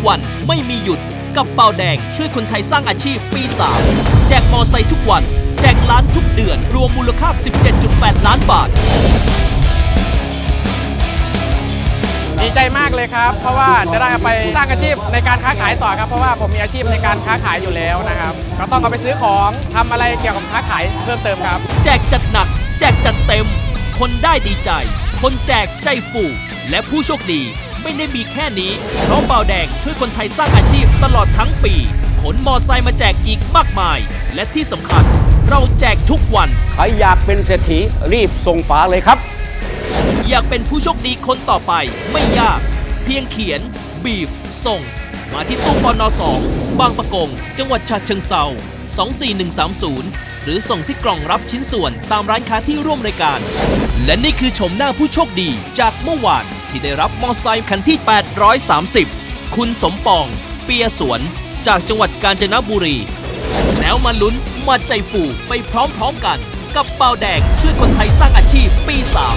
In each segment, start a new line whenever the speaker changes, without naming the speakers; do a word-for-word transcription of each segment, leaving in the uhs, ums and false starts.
วันไม่มีหยุดกับเบาแดงช่วยคนไทยสร้างอาชีพปีสามแจกมอไซค์ทุกวันแจกล้านทุกเดือนรวมมูลค่า สิบเจ็ดจุดแปด ล้านบาท
ดีใจมากเลยครับเพราะว่าจะได้เอาไปสร้างอาชีพในการค้าขายต่อครับเพราะว่าผมมีอาชีพในการค้าขายอยู่แล้วนะครับก็ต้องเอาไปซื้อของทำอะไรเกี่ยวกับค้าขายเพิ่มเติมครับ
แจกจัดหนักแจกจัดเต็มคนได้ดีใจคนแจกใจฟูและผู้โชคดีไม่ได้มีแค่นี้เพราะเบาแดงช่วยคนไทยสร้างอาชีพตลอดทั้งปีขนมอไซค์มาแจกอีกมากมายและที่สำคัญเราแจกทุกวัน
ใครอยากเป็นเศรษฐีรีบส่งฝาเลยครับ
อยากเป็นผู้โชคดีคนต่อไปไม่ยากเพียงเขียนบีบส่งมาที่ตู้ปนสองบางปะกงจังหวัดฉะเชิงเทราสองสี่หนึ่งสามศูนย์หรือส่งที่กล่องรับชิ้นส่วนตามร้านค้าที่ร่วมรายการและนี่คือชมหน้าผู้โชคดีจากเมื่อวานที่ได้รับมอไซค์คันที่แปดร้อยสามสิบคุณสมปองเปียสวนจากจังหวัดกาญจนบุรีแล้วมาลุ้นมาใจฟูไปพร้อมๆกันกับเบาแดงช่วยคนไทยสร้างอาชีพปีสาม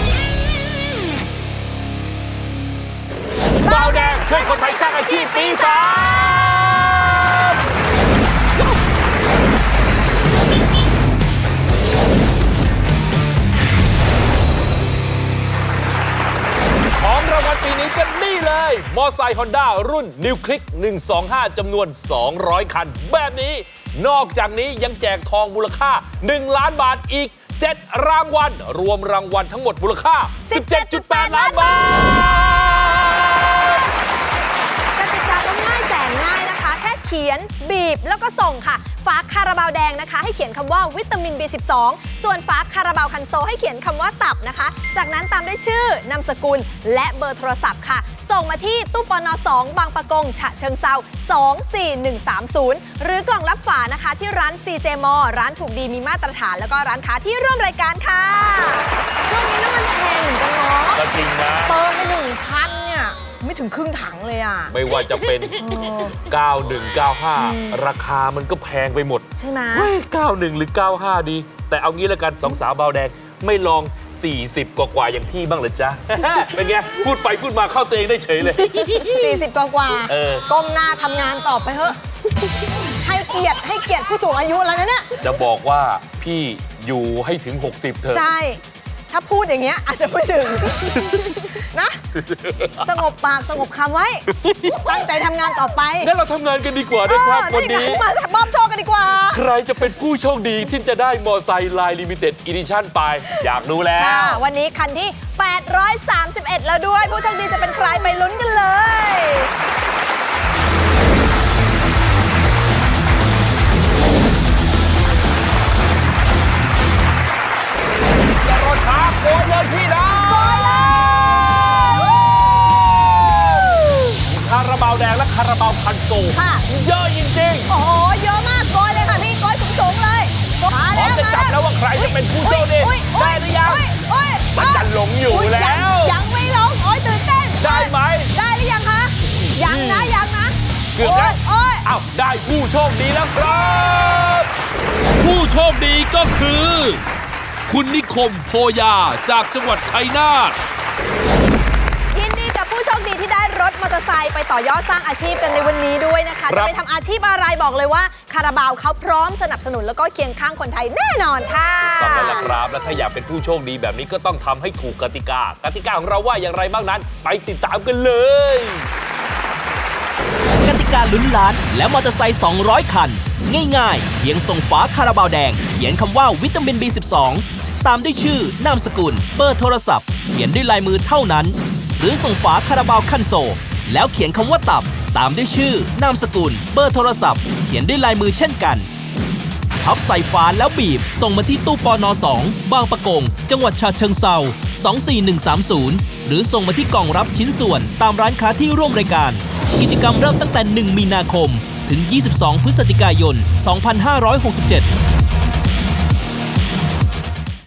เบาแดงช่วยคนไทยสร้างอาชีพปีสามของรางวัลปีนี้ก็นี่เลยมอไซค์ฮอนด้ารุ่นนิวคลิกหนึ่งสองห้าจำนวนสองร้อยคันแบบนี้นอกจากนี้ยังแจกทองมูลค่าหนึ่งล้านบาทอีกเจ็ดรางวัลรวมรางวัลทั้งหมดมูลค่า สิบเจ็ดจุดแปด ล้านบาท
กติกาก็ง่ายแสนง่ายนะคะแค่เขียนบีบแล้วก็ส่งค่ะฝาคาราบาวแดงนะคะให้เขียนคำว่าวิตามิน บี สิบสอง ส่วนฝาคาราบาวคันโซให้เขียนคำว่าตับนะคะจากนั้นตามด้วยชื่อนามสกุลและเบอร์โทรศัพท์ค่ะส่งมาที่ตู้ปนสองบางปะกงฉะเชิงเซาสองสี่หนึ่งสามศูนย์หรือกล่องรับฝานะคะที่ร้าน ซี เจ มอ ร้านถูกดีมีมาตรฐานแล้วก็ร้านค้าที่ร่วมรายการค่ะช่วงนี้น้ำมันแพงเหมือนกันเนาะ
ก็จริงนะ
เติมไปหนึ่งพันเนี่ยไม่ถึงครึ่งถังเลยอ่ะ
ไม่ว่าจะเป็นเก้าหนึ่ง เก้าห้าราคามันก็แพงไปหมด
ใช่ไหม
เก้าหนึ่งหรือเก้าห้าดีแต่เอางี้ละกันสองสาวเบาแดงไม่ลองสี่สิบกว่าๆอย่างพี่บ้างเหรอจ๊ะ เป็นไงพูดไปพูดมาเข้าตัวเองได้เฉยเลย
สี่สิบกว่าๆก้มหน้าทำงานต่อไปเถอะให้เกียรติให้เกียรติผู้สูงอายุแล้วนะเนี่ย
จะบอกว่าพี่อยู่ให้ถึงหกสิบเถอะ
ใช่ถ้าพูดอย่างเงี้ยอาจจะไม่ถึงนะสงบปากสงบคำไว้ตั้งใจทำงานต่อไป
งั้นเราทำงานกันดีกว่านะครับวันนี้
มามอบโชคกันดีกว่า
ใครจะเป็นผู้โชคดีที่จะได้มอไซค์ไลน์ลิมิเต็ดอีดิชั่นไปอยากดูแล้ว
วันนี้คันที่แปดร้อยสามสิบเอ็ดแล้วด้วยผู้โชคดีจะเป็นใครไปลุ้นกันเลย
ช้าโกยเลยพี่นะ
โกยเลย
คาราบาวแดงและคาราบาวคันโซ
ค่ะ
เยอะจริง
ๆโอ้โหเยอะมากโกยเลยค่ะพี่โกยสูงๆเลย
มาแล้วจะจับแล้วว่าใครจะเป็นผู้โชคดีได้หรือยังมันจะหลงอยู่แล้ว
ยังไม่หลงโอ้ยตื่นเต้น
ได้ไหม
ได้หรือยังคะยังนะยังนะ
เกือบแล้วอ้าวได้ผู้โชคดีแล้วครับ
ผู้โชคดีก็คือคุณนิคมโพยาจากจังหวัดชัยนาท
ยินดีกับผู้โชคดีที่ได้รถมอเตอร์ไซค์ไปต่อยอดสร้างอาชีพกันในวันนี้ด้วยนะคะจะไปทำอาชีพอะไรบอกเลยว่าคาราบาวเขาพร้อมสนับสนุนแล้วก็เคียงข้างคนไทยแน่นอนค่ะ
ต้องแล้วล่ะครับและถ้าอยากเป็นผู้โชคดีแบบนี้ก็ต้องทำให้ถูกกติกากติกาของเราว่าอย่างไรบ้างนั้นไปติดตามกันเลย
กติกาลุ้นล้านและมอเตอร์ไซค์สองร้อยคันง่ายๆเพียงส่งฝาคาราบาวแดงเขียนคำว่าวิตามิน บี สิบสอง ตามด้วยชื่อนามสกุลเบอร์โทรศัพท์เขียนด้วยลายมือเท่านั้นหรือส่งฝาคาราบาวคันโซแล้วเขียนคำว่าตับตามด้วยชื่อนามสกุลเบอร์โทรศัพท์เขียนด้วยลายมือเช่นกันพับใส่ฝาแล้วบีบส่งมาที่ตู้ปนสองบางปะกงจังหวัดฉะเชิงเทราสองสี่หนึ่งสามศูนย์หรือส่งมาที่กล่องรับชิ้นส่วนตามร้านค้าที่ร่วมรายการกิจกรรมเริ่มตั้งแต่หนึ่งมีนาคมถึงยี่สิบสองพฤศจิกายนสองพันห้าร้อยหกสิบเจ็ด